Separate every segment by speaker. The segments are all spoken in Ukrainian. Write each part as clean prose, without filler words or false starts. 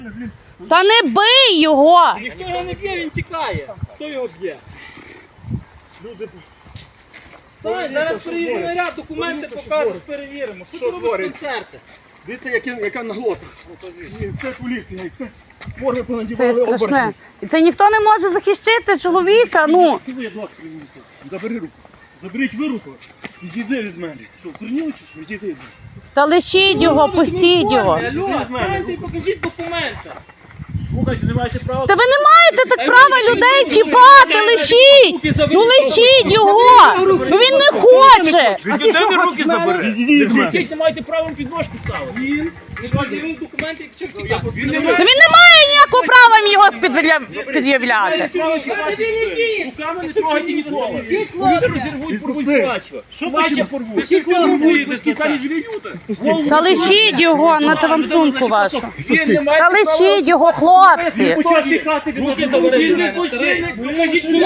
Speaker 1: Та не бий його!
Speaker 2: Ніхто його не б'є, він тікає. Хто його б'є?
Speaker 3: Люди...
Speaker 2: Зараз приїде наряд, документи покажеш, перевіримо. Що ти робиш концерти?
Speaker 3: Дивіться, яка наглота. Це поліція, це морги
Speaker 1: Це
Speaker 3: понадівали
Speaker 1: страшне. І це ніхто не може захищати чоловіка, ну.
Speaker 3: Сіли, будь ласка, забери руку. Заберіть ви руку. Відійди від мене. Що, прийняли чи що? Відійди від мене.
Speaker 1: Та лишіть його, пустіть його.
Speaker 2: Алло, станьте і покажіть документи.
Speaker 3: Слухайте, не маєте права.
Speaker 1: Та ви не маєте так права людей чіпати, лишіть! Ну лишіть його! Ну він не хоче!
Speaker 2: Від людини руки забери.
Speaker 3: Відійдіть від мене.
Speaker 2: Не маєте права підножку ставити. Він пред'явив документи, якщо втікати.
Speaker 1: Ну він не має ніякого права їм його пред'являти.
Speaker 2: Руками не трогайте нікого. Люди розірвуть, порвуть
Speaker 3: Відпусти.
Speaker 2: плачу. Що плаче порвуть? Всі порвуть, такі самі живі люди.
Speaker 1: Та лишіть його, нате вам сумку вашу.
Speaker 2: Він не має
Speaker 1: Та лишіть його, хлопці!
Speaker 2: почав тікати, руки забери. Він не злочинець, покажіть, що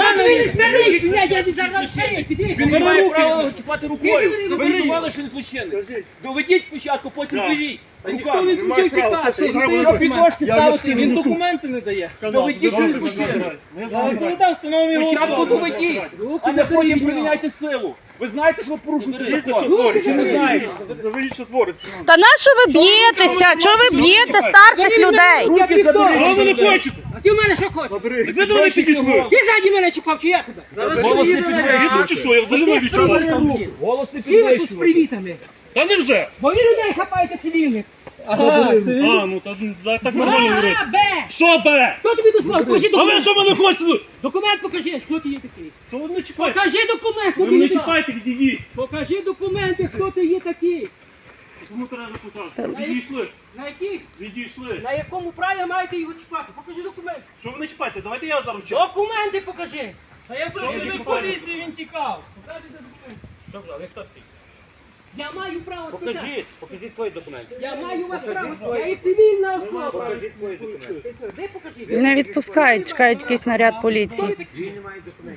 Speaker 2: він не має права чіпати рукою. Заборонували, що він злочинець. Доведіть спочатку, потім беріть. Ніхто не почав тікати. Що підножки ставити, він документи не дає. Доведіть, що він злочинець. Розповідав, встановлюємо його спочатку доведіть, а не потім приміняйте силу. Ви знаєте, що ви порушуєте закон? Чи не знаєте?
Speaker 3: Заберіть, що твориться.
Speaker 1: Та на що ви б'єтеся? Чого ви б'єте старших людей?
Speaker 2: Руки заберіть.
Speaker 3: Що ви не хочете?
Speaker 4: А ти в мене що хочеш?
Speaker 3: Забери.
Speaker 2: Ви до речі, пішли.
Speaker 4: Ти ззаді мене чіпав, чи я тебе?
Speaker 2: Голос не підвищує.
Speaker 3: Чи що, я взагалі не відчував.
Speaker 2: Голос не
Speaker 4: Всі ви тут з
Speaker 2: підвищує.
Speaker 4: привітами.
Speaker 3: Та не вже.
Speaker 4: Бо ви людей хапаєте цивільних.
Speaker 3: Ну так нормально говорити.
Speaker 4: А, Б!
Speaker 3: Що бере?
Speaker 4: Хто тобі дозволив? Покажи
Speaker 3: А ви
Speaker 4: документ.
Speaker 3: що мене хочете?
Speaker 4: Документ покажи, хто ти є такий.
Speaker 3: Що ви мене чіпаєте?
Speaker 4: Покажи документ, хто
Speaker 3: Ви
Speaker 4: ти
Speaker 3: мене
Speaker 4: є такий.
Speaker 3: чіпаєте, відійдіть.
Speaker 4: Покажи документи, хто ти є такий.
Speaker 3: Кому треба показати? Відійшли.
Speaker 4: На яких?
Speaker 3: Відійшли.
Speaker 4: На якому праві маєте його чіпати? Покажи документи.
Speaker 3: Що ви не чіпаєте? Давайте я зараз чіпаю.
Speaker 4: Документи покажи.
Speaker 2: А я працюю в поліції, він тікав.
Speaker 4: Покажи документи.
Speaker 2: Що ви, хто такий?
Speaker 4: Я маю право спитати.
Speaker 2: Покажіть твої документи.
Speaker 4: Я маю вас право. Я є цивільна особа.
Speaker 2: Покажіть твої документи.
Speaker 4: Де покажи?
Speaker 1: Не відпускають, чекають якийсь наряд поліції.
Speaker 4: Хто ви такий?